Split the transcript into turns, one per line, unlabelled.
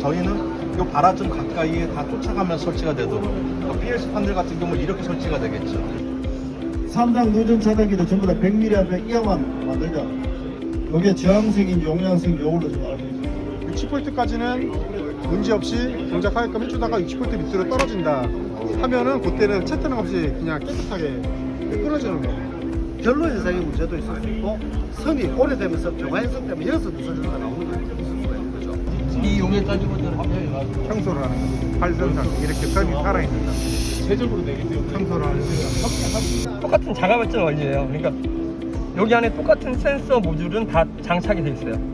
저희는 이 발화점 가까이에 다 쫓아가면서 설치가 되도록 PLC 판들 같은 경우는 이렇게 설치가 되겠죠.
3단 누전 차단기도 전부 다 100mA 이하만 만들자. 이게 저항성인지 용량성인지 이걸로 좀 알고 있어요.
60V까지는 문제없이 동작하게끔 해주다가 60V 밑으로 떨어진다 하면은 그때는 채트는 없이 그냥 깨끗하게 끊어지는 거예요.
결로 현상의 문제도 있을 수 있고 선이 오래되면서 교과 현상 때문에 여기서 누설전도가 나오는 거 있을 수가 있는 거죠.
이 용에 따지고는
청소를 하는 거죠. 활성상 이렇게 선이 살아있는 거.
세적으로 되기 때문에
청소를 하는 거죠.
똑같은 자가발전 원리예요. 그러니까 여기 안에 똑같은 센서 모듈은 다 장착이 돼 있어요.